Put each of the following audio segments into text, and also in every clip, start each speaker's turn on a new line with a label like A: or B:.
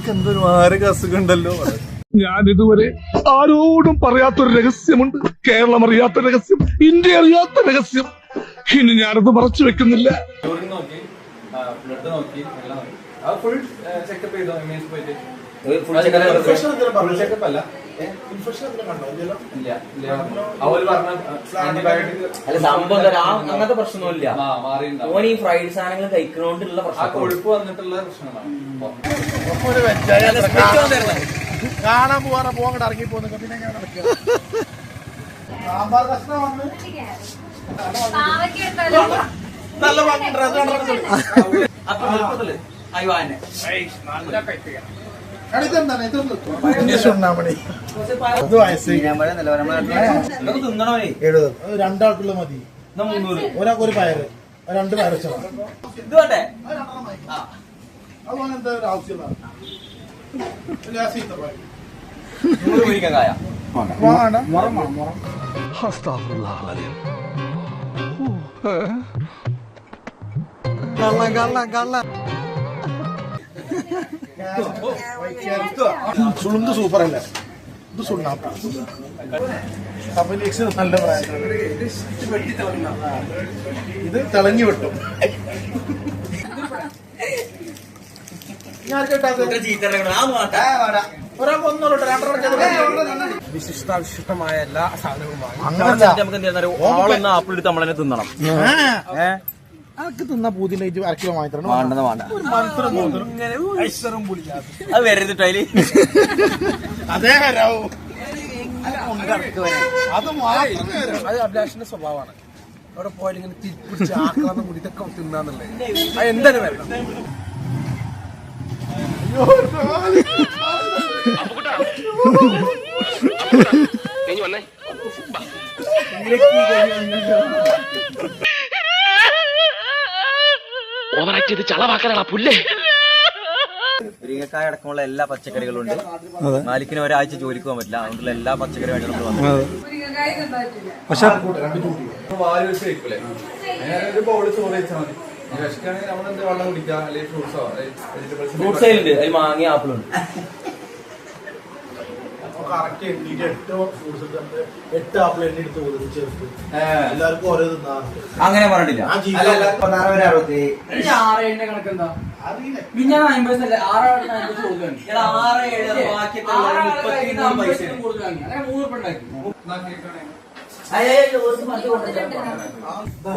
A: എന്തൊരു മാരക അസുഖമുണ്ടല്ലോ.
B: ഞാൻ ഇതുവരെ ആരോടും പറയാത്തൊരു രഹസ്യമുണ്ട്. കേരളം അറിയാത്ത രഹസ്യം, ഇന്ത്യ അറിയാത്ത രഹസ്യം. ഇനി ഞാനത് മറച്ചു വെക്കുന്നില്ല.
C: അങ്ങനത്തെ പ്രശ്നമൊന്നുമില്ല. ഓൻ ഈ ഫ്രൈഡ് സാധനങ്ങൾ കഴിക്കണോണ്ടുള്ള പ്രശ്നം, കൊഴുപ്പ് വന്നിട്ടുള്ള പ്രശ്നമാണ്.
D: കാണാൻ പോവാറ പോകണ്ട ഇറങ്ങി പോകുന്ന പിന്നെ ഞാൻ സാമ്പാർ കഷ്ണം വന്ന് നല്ല രണ്ടാൾക്കുള്ള മതി. ഒരാൾക്ക് ഒരു പയറ്, 2 പയറ് വെച്ചതാണ്. അതുപോലെ എന്താ ഒരു ആവശ്യമുള്ള സുളുന്ത് സൂപ്പർ അല്ലേ? ഇത് സുണ്ണാപ്പ നല്ല പ്രായം. ഇത് തിളങ്ങി വിട്ടും.
C: വിശിഷ്ടാവിശിഷ്ടമായ എല്ലാ സാധനവും നമുക്ക് ആപ്പിൾ എടുത്ത് നമ്മളെ തിന്നണം.
D: അതൊക്കെ തിന്നാ പൂതിയിലേക്ക് 1 കിലോ വാങ്ങി തരണം.
C: അത് വരരുത് അതില്.
D: അതേ
E: അത് അഭിലാഷിന്റെ സ്വഭാവമാണ്. അവിടെ പോയാൽ ഇങ്ങനെ തിരിപ്പിടിച്ച് ആക്രാന്തം കൂടി ഇതൊക്കെ തിന്നാന്നുള്ളത് അത് എന്തായാലും വരണം.
F: ഓവറായിട്ട് ചളവാക്കാനാ പുല്ലേ.
C: മുരിങ്ങക്കായ അടക്കമുള്ള എല്ലാ പച്ചക്കറികളും ഉണ്ട്. മാലിക്കിന് ഒരാഴ്ച ജോലിക്ക് പോകാൻ പറ്റില്ല, അതുകൊണ്ടുള്ള എല്ലാ പച്ചക്കറി വേണ്ടി നമ്മൾ വന്നത്.
A: പക്ഷെ
C: ഫ്രൂട്ട്സ് ഉണ്ട്, അതിൽ മാങ്ങ ആപ്പിളുണ്ട്. അങ്ങനെ പറഞ്ഞിട്ടില്ല.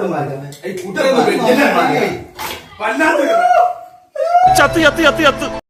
F: ചത്ത് ചത്ത് ചത്ത് ചത്ത്